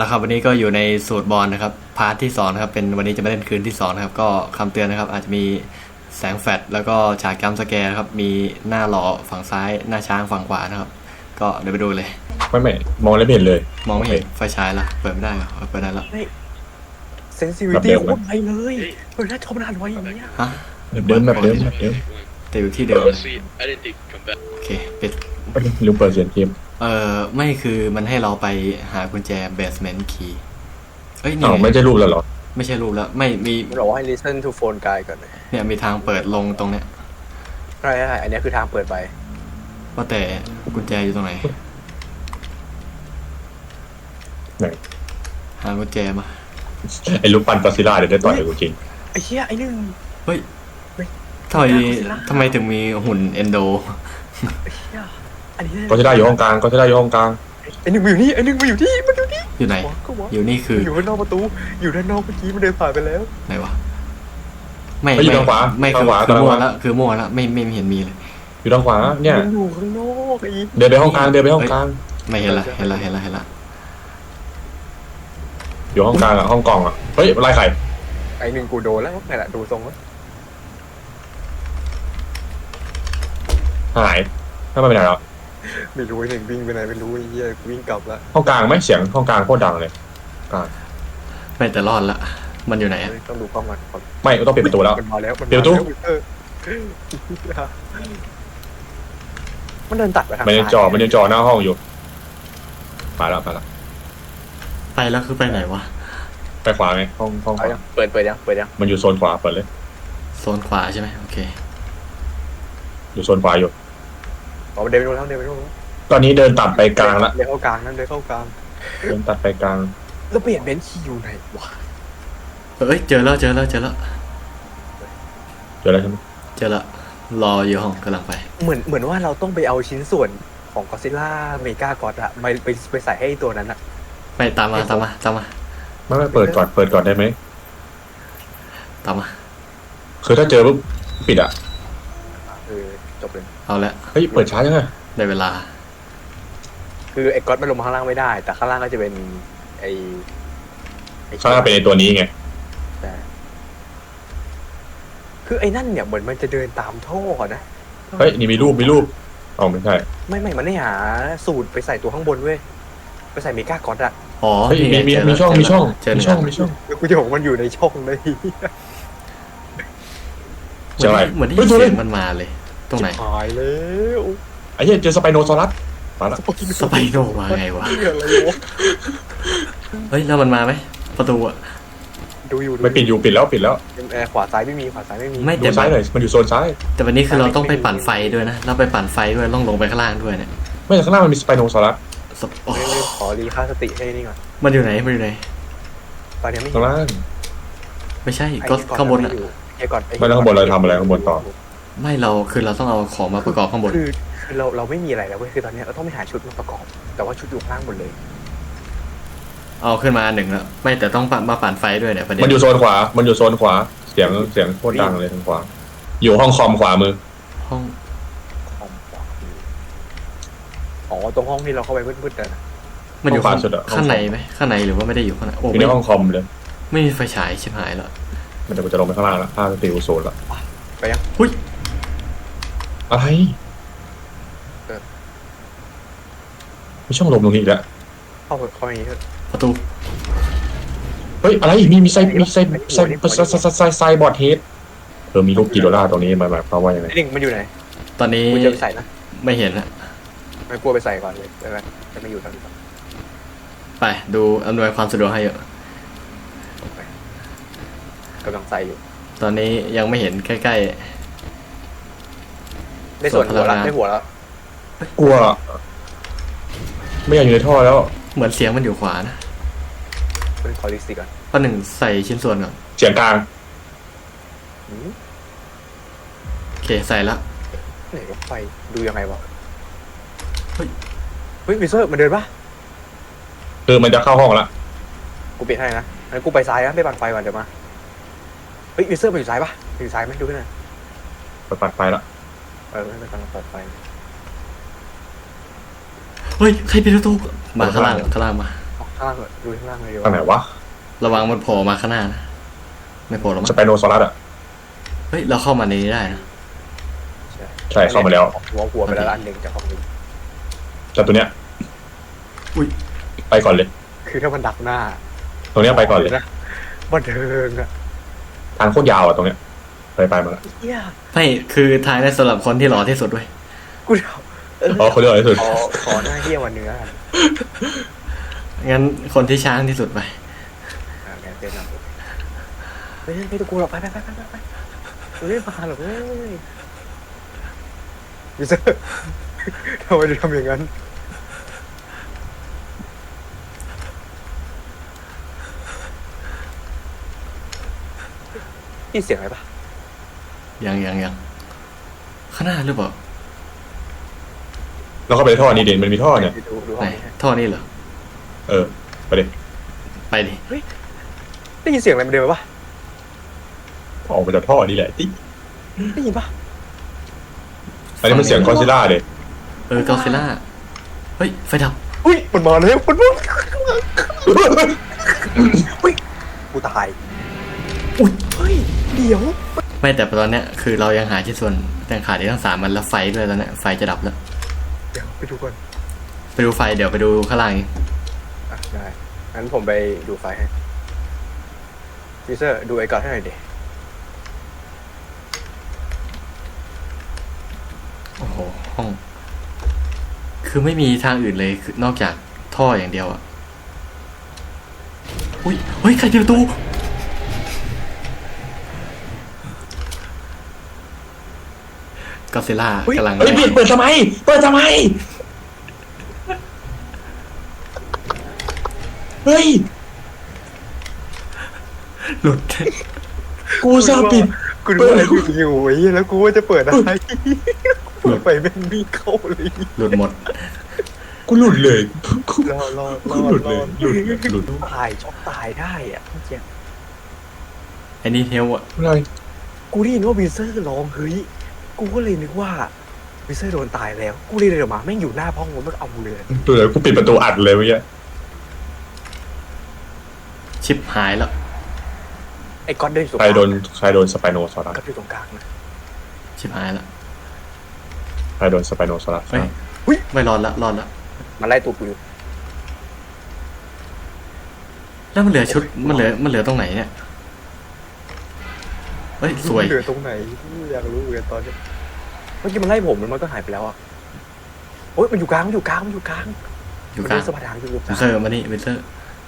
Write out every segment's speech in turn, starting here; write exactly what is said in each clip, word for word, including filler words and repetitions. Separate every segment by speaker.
Speaker 1: นะครับวันนี้ก็อยู่ในสูตรบอลนะครับพาร์ทที่สองนะครับเป็นวันนี้จะมาเล่นคืนที่สองนะครับก็คำเตือนนะครับอาจจะมีแสงแฟลชแล้วก็ฉากจัมป์สแกร์นะครับมีหน้าหล่อฝั่งซ้ายหน้าช้างฝั่งขวานะครับก็เดี๋ยวไปดูเลย
Speaker 2: ไม่ไม่มองแล้วไม่เห็นเลย
Speaker 1: มองไม่เห็นไฟฉายละเปิดไม่ได้เหรอเอาเปิดได้แล้ว
Speaker 3: เซนซิวิตี้โคตรไวเลยเฮ้ยน่าชอบนานไวอย่างเงี้ย
Speaker 1: ฮะ
Speaker 2: แบบเดิมแบบเดิมแบบเดิม
Speaker 1: แต่อยู่ที่เดิม
Speaker 4: Honestly, I didn't think come back.
Speaker 1: โอเคปิด
Speaker 2: ไม่รู้เปิดเสียงเกม
Speaker 1: เอ่อไม่คือมันให้เราไปหากุญแจเบสเมนต์คีย์เอ้ยนี่
Speaker 2: อ้าว
Speaker 1: ไง
Speaker 2: ไม่ใช่รูปแล้วเหรอ
Speaker 1: ไม่ใช่รูปแล้วไม่มี
Speaker 3: มันบอกว่าให้ listen to phone guy ก่อนเลย
Speaker 1: เนี่ยมีทางเปิดลงตรงเนี้ย
Speaker 3: ใช่ใช่อันนี้คือทางเปิดไป
Speaker 1: ว่าแต่กุญแจอยู่ตรงไหน
Speaker 2: ไหน
Speaker 1: หากุญแจมา
Speaker 2: ไอ้รูปปั้นกอซิล่าเดี๋ยวได้ต่อยกับกูจริง
Speaker 3: ไอ้เหี้ยไอ้หนึ่ง
Speaker 1: เฮ้ย
Speaker 3: เฮ้ย
Speaker 1: ทำไม
Speaker 3: น่ากลัวสิล่ะ
Speaker 1: ทำไมถึงมีหุ่นเอนโด
Speaker 3: ไอ้เหี้ยอันนี้
Speaker 2: กอซิล่าอยู่ห้องกลางกอซิล่าอยู่ห้องกลาง
Speaker 3: ไอ้หนึ่งมาอยู่นี่ไอ้หนึ่งมาอยู่นี่มันอยู่นี่
Speaker 1: อยู่ไหน
Speaker 3: ก็วะ
Speaker 1: อยู่นี่คือ
Speaker 3: อยู่ข้างนอกประตูอยู่ด้านนอกเมื่อกี้มันเดินผ่านไปแล้ว
Speaker 1: ไหนวะไม่
Speaker 2: เฮ้ยอยู่
Speaker 1: ไม่
Speaker 2: ทางขวา
Speaker 1: ไม่
Speaker 2: ทา
Speaker 1: คื
Speaker 2: ง
Speaker 1: อ
Speaker 2: ขวา
Speaker 1: คือ
Speaker 2: ทาง
Speaker 1: มั่
Speaker 2: ข
Speaker 1: ว
Speaker 2: วา
Speaker 1: แล้วคือมั่วแล้วไม่ไม่เห็นมีเลย
Speaker 2: อยู่ทางขวาเนี่ย
Speaker 3: มันอยู่ข้างนอกไอ้
Speaker 2: เดินไปห้องกลางเดินไปห้องกลาง
Speaker 1: ไม่เห็นละเห็นละเห็นละเห็นละ
Speaker 2: อยู่ห้องกลางอ่ะห้องกล่องอ่ะเฮ้ยไล่ใคร
Speaker 3: ไอ้หนึ่งกูโดนแล้วไงล่ะดูทรงแล้ว
Speaker 2: หายถ้าไม่เป็นไรหรอ
Speaker 3: ไม่รู้ไอ้หนึ่งวิ่งไปไหนไม่รู้ไอ้เหี้ยวิ่งกลับแล้ว
Speaker 2: ห้องกลางไหมเสียงห้องกลางโคตรดังเลยกลาง
Speaker 1: ไม่แต่รอดละมันอยู่ไหนอะ
Speaker 3: ต้องดูกล้องก่อนก่อน
Speaker 2: ไม่ต้องปิดประตูแล้ว
Speaker 3: มันมาแล้วมันมา
Speaker 2: เดี๋ยวตู้
Speaker 3: แล้วเออมันเดินตัดไปทาง
Speaker 2: มันยัง
Speaker 3: ซ้าย
Speaker 2: จ่อมันยังจ่อหน้าห้องอยู่มาแล้วมาแล้ว
Speaker 1: ไปแล้วคือไปไหนวะ
Speaker 2: ไปขวาไงห้องห้องข
Speaker 3: เอา
Speaker 2: วา
Speaker 3: ยังเปิดเปิดยังเปิดยัง
Speaker 2: มันอยู่โซนขวาเปิดเลย
Speaker 1: โซนขวาใช่ไหมโอเค
Speaker 2: อยู่โซนขวาอยู่
Speaker 3: อ๋อเดินไปนู่นแล้วเดินไปนู่นแล้ว
Speaker 2: ตอนนี้เดินตัดไปกลางละ
Speaker 3: เดินเข้ากลางนั่นเดินเข้ากลาง
Speaker 2: เดินตัดไปกลาง
Speaker 3: แล้วเปลี่ยนเบนช์คีย์อยู่ไหนวะ
Speaker 1: เอ้ยเจอแล้วเจอแล้วเจอแล้ว
Speaker 2: เจอแล้วใช่ไหม
Speaker 1: เจอแล้วรออยู่ห้องกำลังไป
Speaker 3: เหมือนเหมือนว่าเราต้องไปเอาชิ้นส่วนของกอซิล่าเมกากอดอะไปไปไปใส่ให้ตัวนั้นอะ
Speaker 1: ไปตามมาตามมาตามมา
Speaker 2: ไม่ไม่เปิดก่อนเปิดก่อนได้ไหม
Speaker 1: ตามมา
Speaker 2: คือถ้าเจอปุ๊บปิดอ่ะ
Speaker 3: เออจบเลย
Speaker 1: เอาละ
Speaker 2: เฮ้ยเปิดช้าจังไง
Speaker 1: ได้เวลา
Speaker 3: คือไอ้ก๊อตมันลงมาข้างล่างไม่ได้ แต่ข้างล่างก็จะเป็นไอ้ไอ้
Speaker 2: ข้างหน้าเป็นไอตัวนี้ไง
Speaker 3: แต่คือไอ้นั่นเนี่ยเหมือนมันจะเดินตามท่อนะ
Speaker 2: เฮ้ยนี่มีรูปมีรูปอ๋อไม่ใช่
Speaker 3: ไม่ไม่มันไม่หาสูตรไปใส่ตัวข้างบนเว้ยไปใส่เมกากอดอะ
Speaker 1: อ๋อ
Speaker 2: เฮ้ย
Speaker 1: นี่ไ
Speaker 2: มีมี
Speaker 1: เจแล้ว
Speaker 2: มีช่อง
Speaker 1: เจ
Speaker 2: มีช่อง
Speaker 1: เจอ
Speaker 2: มี
Speaker 1: แล้ว
Speaker 2: ช่องมีช่อง
Speaker 3: แล้วกูจะบอกมันอยู่ในช่องเลย
Speaker 2: เจออะไร
Speaker 1: เหมือนได้
Speaker 2: เฮ้
Speaker 1: ยิ
Speaker 2: ย
Speaker 1: น
Speaker 2: ตัว
Speaker 1: เสี
Speaker 2: เล่
Speaker 1: ย
Speaker 2: น
Speaker 1: งมันมาเลย ตรงไหน
Speaker 3: หายแล้ว
Speaker 2: ไอ้เหี้ยเจอสไปโนซอรัสมาละ
Speaker 1: สไปโนมาไงวะ
Speaker 3: เหี้ยอะไรวะ
Speaker 1: เฮ้ยแล้วมันมาไหมประตูอะ
Speaker 3: ดูอยู่
Speaker 2: ไม่ปิดอยู่ปิดแล้วปิดแล้ว
Speaker 3: เออขวาซ้ายไม่มีขวาซ้ายไม่มี
Speaker 1: ไม่
Speaker 2: ดู
Speaker 1: แต่
Speaker 2: ซ้ายหน่อยมันอยู่โซนซ้าย
Speaker 1: แต่วันนี้คือเราต้องไปปั่นไฟด้วยนะเราไปปั่นไฟด้วยต้องลงไปข้างล่างด้วยเนี่ย
Speaker 2: ไม่แต่ข้างหน้ามันมีสไปโนซอรัส
Speaker 1: สปโอ้
Speaker 3: ไม่ไม่ขอรีค่าสติให้นี่ก่อน
Speaker 1: มันอยู่ไหนมันอยู่ไหน
Speaker 3: ตอนนี้ไม่
Speaker 2: ข้างล่าง
Speaker 1: ไม่ใช่
Speaker 3: ไอ้
Speaker 1: ก็
Speaker 3: ก่อน
Speaker 1: ข้างบนอะ
Speaker 3: ไม่อยู่ไอ้ก่อนอ้
Speaker 2: ไม่แล้วข้างบนเราทำอะไรข้างบนต่อ
Speaker 1: ไม่เราคือเราต้องเอาของมาประกอบข้างบน
Speaker 3: คือคือเราเราไม่มีอะไรแล้วเว้ยคือตอนนี้เราต้องไปหาชุดมาประกอบ แต่ว่าชุดอยู่ข้างล่างหมดเลย
Speaker 1: เอาขึ้นมาหนึ่งแล้วไม่แต่ต้องมาปั่นไฟด้วยเนี่ยประเด็น
Speaker 2: มันอยู่โซนขวา มันอยู่โซนขวา เสียงเสียงโคตรดังเลยทางขวา อยู่ห้องคอมขวามือ
Speaker 1: ห้อง
Speaker 3: ห้องขวามืออ๋อตรงห้องที่เราเข้าไปมืดๆนะ
Speaker 1: มันอยู่
Speaker 2: ห้องขวา
Speaker 1: ข้าง
Speaker 2: สุดอะห้อง
Speaker 1: ข้างในไหมข้างในหรือว่าไม่ได้อยู่ข้างในโอ้
Speaker 2: อยู่
Speaker 1: ไม่
Speaker 2: ในห้องคอมเลย
Speaker 1: ไม่มีไฟฉายชิบหายแล้ว
Speaker 2: มันจะมันจะลงไปข้างล่างแล้วห้าติวโซนละ
Speaker 3: ไปยัง
Speaker 1: หุ้ย
Speaker 2: อะไร
Speaker 3: เออ
Speaker 2: มีช่องลมตรงนี้อีกแล้ว
Speaker 3: เข้าไปเข้าไปอย่างนี้เถอะ
Speaker 1: ประตู
Speaker 2: เฮ้ยอะไรมีมีไซมีไซไซไซไซไซไซบอร์ดเฮดเออมีรูปกิโดล่าตรงนี้หมายหมายความว่ายังไง
Speaker 3: ไอ้หนึ่งมันอยู่ไหน
Speaker 1: ตอนนี้
Speaker 3: กูจะไปใส่นะ
Speaker 1: ไม่เห็นละ
Speaker 3: ไม่กลัวไปใส่ก่อนเลยได้ไหมจะไม่อยู่ตอนนี้ก่อน
Speaker 1: ไปดูอำนวยความสะดวกให้เยอะ
Speaker 3: กำลังใส่อยู่
Speaker 1: ตอนนี้ยังไม่เห็นใกล้
Speaker 3: ได้ส่วนหัว
Speaker 1: ส่วนพลั
Speaker 3: ละ
Speaker 1: งงาน
Speaker 3: ได้หัวแล้ว
Speaker 2: กลัว ไม่อยากอยู่ในท่อแล้ว
Speaker 1: ๆเหมือนเสียงมันอยู่ขวานะ
Speaker 3: เป็นคอลิสติก่อน
Speaker 1: ข้อหนึ่งใส่ชิ้นส่วนก่อน
Speaker 2: เสียงกลาง
Speaker 3: หืม
Speaker 1: โอเคใส่ละ
Speaker 3: ไหนรถไฟดูยังไงวะ
Speaker 1: เฮ้ย
Speaker 3: เฮ้ยมิเซอร์มันเดินปะ
Speaker 2: คือมันจะเข้าห้องละ
Speaker 3: กูเปลี่ยนให้นะงั้นกูไปซ้ายนะไปปั่นไฟก่อนเดี๋ยวมาเฮ้ยมิเซอร์มันอยู่ซ้ายปะอยู่ซ้ายไหมดูขึ้นหน่อย
Speaker 2: ไปปัดไฟละ
Speaker 3: เออไม่กำลังเปิดไฟ
Speaker 1: เฮ้ยใครปิดประตูมาข้างล่างข้างล่างมา
Speaker 3: ขข้างล่างเลยดูข้างล่างเลยดีก
Speaker 2: ทางไหนวะ
Speaker 1: ระวังมันโผล่มาข้างหน้านะไม่โผล่หรอก
Speaker 2: ส
Speaker 1: มั้ง
Speaker 2: ไปโนซอรัสอ่ะ
Speaker 1: เฮ้ยเราเข้ามาในนี้ได้นะ
Speaker 2: ใช่เข้ามาแล้ว
Speaker 3: หัวหัวไปแล้วอันหนึ่งจากของนี้
Speaker 2: แต่ตัวเนี้ย
Speaker 1: อุ้ย
Speaker 2: ไปก่อนเลย
Speaker 3: คือถ้ามันดักหน้า
Speaker 2: ตรงเนี้ยไปก่อนเลย
Speaker 3: นะบันเทิงอะ
Speaker 2: ทางโคตรยาวอ่ะตรงเนี้ยไปไปมาละ
Speaker 3: เฮีย
Speaker 1: ไม่คือทางได้สำหรับคนที่หล่อที่สุดด้วย
Speaker 3: กูเดาเออ
Speaker 2: อ๋อคนเดียวที่สุด
Speaker 3: ขอขอหน้าเฮียวันเนื้อกัน
Speaker 1: งั้นคนที่ช้างที่สุดไป
Speaker 3: อ่าแกเป็นนะเฮ้ยไม่ต้องกลัวหรอกไปไปไปไปไปไปเฮ้ยมาหรอกเว้ยวิเซอร์ทำไมถึงทำอย่างนั้นนี่เสียงอะไรปะ
Speaker 1: ยังยังยังข้างหน้าหรือเปล่า
Speaker 2: แล้วก็ไปท่อนี้เด่นมันมีท่อเนี่ย
Speaker 3: ดูดูห้
Speaker 1: ไหน
Speaker 3: องนี้
Speaker 1: ท่อนี่เหรอ
Speaker 2: เออไปดิ
Speaker 1: ไปดิ
Speaker 3: ได้ยินเสียงอะไรมันเดินมาปะ
Speaker 2: ออกมาจากท่อนี่แหละติ๊ก
Speaker 3: ได้ยินปะ
Speaker 2: อันนี้มันเสียงกอซิล่าเด็
Speaker 1: เออกอซิล่าเฮ้ยไฟดับ
Speaker 3: อุ้ยมันมาแล้วมันมาอุ้ยกูตายอุ้ยเฮ้ยเดี๋ยว
Speaker 1: ไม่แต่ตอนเนี้ยคือเรายังหาชิ้นส่วนยังขาดอีกทั้งสามมันแล้วไฟด้วยตอนเนี้ยไฟจะดับแล้ว
Speaker 3: เดี๋ยวไปดูก่อน
Speaker 1: ไปดูไฟเดี๋ยวไปดูข้างล่างอีก
Speaker 3: อ่ะได้งั้นผมไปดูไฟให้พีเซอร์ดูไอ้ก่อนให้หน่อยดิ
Speaker 1: โอ้โหห้อง คือไม่มีทางอื่นเลยคือนอกจากท่ออย่างเดียวอะอุ้ยเฮ้ยใครปิดประตูกอซิล่ากำลัง
Speaker 2: เฮ้ยปิดเปิดทำไมเปิดทำไมเฮ้ย
Speaker 1: หลุด
Speaker 2: กูซาปิด
Speaker 3: กูดูอะไรอยู่อยู่ไอ้เหี้ยแล้วกูว่าจะเปิดอะไรเปิดไปแม่งวิ่งเข้าเลย
Speaker 1: หลุดหมด
Speaker 2: กูหลุดเลยกู
Speaker 3: รอรอร
Speaker 2: กู
Speaker 3: อ
Speaker 2: หลุด
Speaker 3: ร
Speaker 2: เล
Speaker 3: อย
Speaker 2: หลุดหลุด
Speaker 3: ตายช็อกตายได้อ่ะเจ๊
Speaker 1: ไอ้นี่เทลอะ
Speaker 2: อะไร
Speaker 3: กูได้ยินว่าวีเซอร์ร้องเฮ้ยกูก็เลยนึกว่าวีเซอร์โดนตายแล้วกูเลยเดินออกมาแม่งอยู่หน้าห้องมันเอาเลย
Speaker 2: ดูเลยกูปิดประตูอัดเลยเมื่อกี้
Speaker 1: ชิปหายแล้ว
Speaker 3: ไอ้ก๊อตเดินอยู่ตรง
Speaker 2: ใค
Speaker 3: ก
Speaker 2: ร
Speaker 3: ลาง
Speaker 2: โดนใครโดนสไปโนซอรัส
Speaker 3: ก๊อตอยู่ตรงกลางนะ
Speaker 1: ชิปหายแล้ว
Speaker 2: ใครโดนสไปโนซอรัส
Speaker 1: เฮ้ยไม่รอดละรอดละ
Speaker 3: มันไล่ตูดกูอยู่
Speaker 1: แล้วมันเหลือชุดมันเหลือมันเหลือตรงไหนเนี่ยเฮ้ยสวย
Speaker 3: เหลือตรงไหนอยากรู้เหมือนกันตอนนี้เมื่อกี้มันไล่ผมแล้วมันก็หายไปแล้วอ่ะโอ๊ยมันอยู่กลางมันอยู่กลางมันอยู่กลาง
Speaker 1: อยู่
Speaker 3: มัน
Speaker 1: กลาง
Speaker 3: เดินสะพานทางอยู่ก
Speaker 1: วิ
Speaker 3: ลาง
Speaker 1: เซอร์มานี่วิเซอร์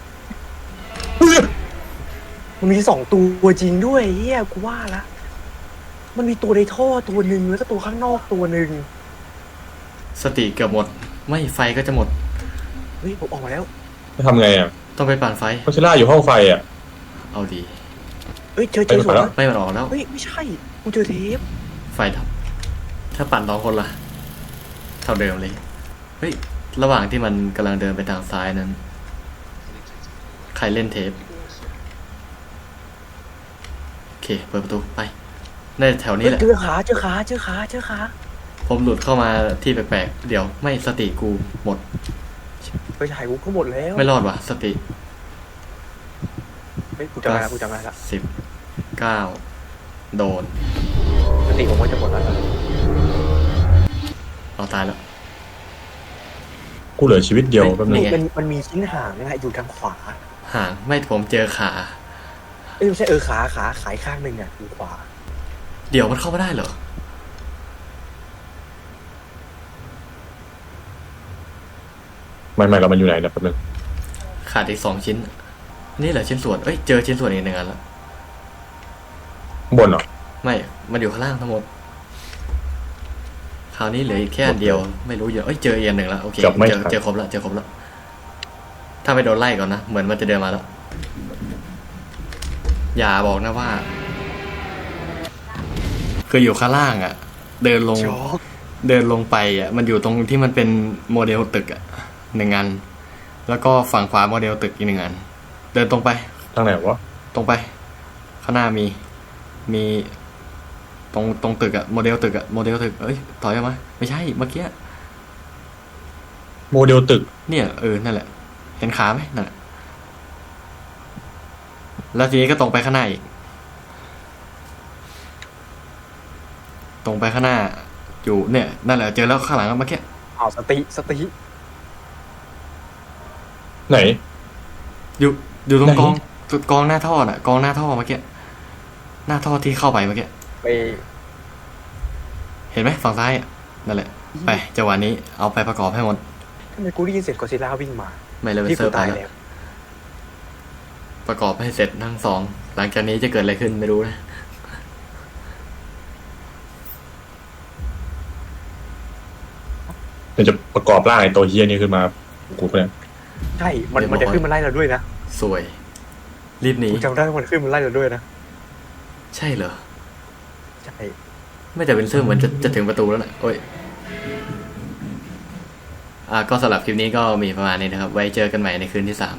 Speaker 3: มันมีสองตัวจริงด้วยเฮียกูว่าละมันมีตัวในท่อตัวหนึ่งแล้วก็ตัวข้างนอกตัวหนึ่ง
Speaker 1: สติเกือบหมด ไม่ไฟก็จะหมด
Speaker 3: เฮ้ยผมออกมาแล้ว
Speaker 2: จะทำไงอ่ะ
Speaker 1: ต้องไปปั่นไฟ
Speaker 2: กอซิล่าอยู่ห้องไฟอ่ะ
Speaker 1: เอาดี
Speaker 3: เฮ้ยเจอเจอ
Speaker 2: ไป
Speaker 3: สวน
Speaker 2: แล้ว
Speaker 1: ไม่มันออกแล้ว
Speaker 3: เฮ้ยไม่ใช่กูเจอเทป
Speaker 1: ไฟดับ ถ้าปั่นสองคนล่ะ เท่าเดิมเลย เฮ้ย ระหว่างที่มันกำลังเดินไปทางซ้ายนั้น ใครเล่นเทป โอเค เปิดประตูไปในแถวนี้
Speaker 3: เฮ้ย
Speaker 1: แหละ
Speaker 3: เจอขาเจอขาเจอขาเจอขา
Speaker 1: ผมหลุดเข้ามาที่แปลกๆ เดี๋ยวไม่สติกูหมด
Speaker 3: ไปถ่ายกูก็หมดแล้ว
Speaker 1: ไม่รอดว่ะ สติ
Speaker 3: เฮ้ยกูจำได้ละกูจำได้ละ
Speaker 1: สิบเก้าโดน
Speaker 3: สติผมว่าจะหมดแล้ว
Speaker 1: เอาตายแล้ว
Speaker 2: กูเหลือชีวิตเดียวแป๊บนึ
Speaker 1: นี่
Speaker 2: ง
Speaker 1: ไง
Speaker 3: มันมันมีชิ้นห่างนะอยู่ทางขวา
Speaker 1: ห่างไม่ผมเจอขา
Speaker 3: เอ้ยไม่ใช่เออขาขาขายข้างหนึ่งอ่ะอยู่ขวา
Speaker 1: เดี๋ยวมันเข้ามาได้เหรอ
Speaker 2: ไม่ไม่เรามันอยู่ไหนนะแป๊บนึง
Speaker 1: ขาดอีกสองชิ้น นี่แหละชิ้นส่วน เอ้ย เจอชิ้นส่วนอีกหนึ่งอันแล้ว
Speaker 2: บนเหรอ
Speaker 1: ไม่ มันอยู่ข้างล่างทั้งหมด คราวนี้เหลืออีกแค่อันเดียว ไม่รู้เยอะเอ้ย เจออีกอันหนึ่งแล้ว โอเค
Speaker 2: เกือบไม่
Speaker 1: เจอ
Speaker 2: ทัน
Speaker 1: เจอครบแล้ว เจอครบแล้ว ถ้าไม่โดนไล่ก่อนนะ เหมือนมันจะเดินมาแล้ว อย่าบอกนะว่า คืออยู่ข้างล่างอะ่ะ เดินลง
Speaker 3: ช็อก
Speaker 1: เดินลงไปอ่ะ มันอยู่ตรงที่มันเป็นโมเดลตึกอ่ะหนึ่งอัน แล้วก็ฝั่งขวาโมเดลตึกอีกหนึ่งอัน เดินตรงไป
Speaker 2: ทางไหนวะ
Speaker 1: ตรงไป ข้างหน้ามี มี ตรงตรงตึกอะโมเดลตึกอะโมเดลตึก เอ้ย ถอยออกมา ไม่ใช่ เมื่อกี้
Speaker 2: โมเดลตึก
Speaker 1: เนี่ย เออ นั่นแหละ เห็นขาไหมนั่นแหละแล้วทีนี้ก็ตรงไปข้างหน้าอีก ตรงไปข้างหน้า อยู่เนี่ยนั่นแหละเจอแล้วข้างหลังเมื่อกี้
Speaker 3: เอาสติสติ
Speaker 2: ไหน
Speaker 1: อยู่อยู่ตรง
Speaker 2: ไหน
Speaker 1: กองจุดกองหน้าท่อน่ะกองหน้าท่อเมื่อกี้หน้าท่อที่เข้าไปเมื่อกี้
Speaker 3: ไป
Speaker 1: เห็นไหมฝั่งซ้ายอะนั่นแหละ ไปจังหวะนี้เอาไปประกอบให้หมด
Speaker 3: ทำไมกูได้ยินเสียงกอซิลล่าวิ่งมา
Speaker 1: ไม่เลยเป็น
Speaker 3: ที่
Speaker 1: เซิ
Speaker 3: กู
Speaker 1: ร์ฟไป
Speaker 3: ตาย
Speaker 1: แล้ว
Speaker 3: แล้ว
Speaker 1: ประกอบให้เสร็จทั้งสอง หลังจากนี้จะเกิดอะไรขึ้นไม่รู้นะ
Speaker 2: เดี๋ยวจะประกอบร่างไอ้ตัวเฮียนี่ขึ้นมากูเนี่ย
Speaker 3: ใช่มันมันจะขึ้นมาไล่เราด้วยนะ
Speaker 1: สวย รีบหนี
Speaker 3: กูจำได้ว่ามันขึ้นมาไล่เราด้วยนะ
Speaker 1: ใช่เหรอ
Speaker 3: ใช่
Speaker 1: ไม่แต่เป็นเซิร์ฟเหมือนจะจะถึงประตูแล้วนะโอ้ย อ่าก็สำหรับคลิปนี้ก็มีประมาณนี้นะครับ ไว้เจอกันใหม่ในคืนที่สาม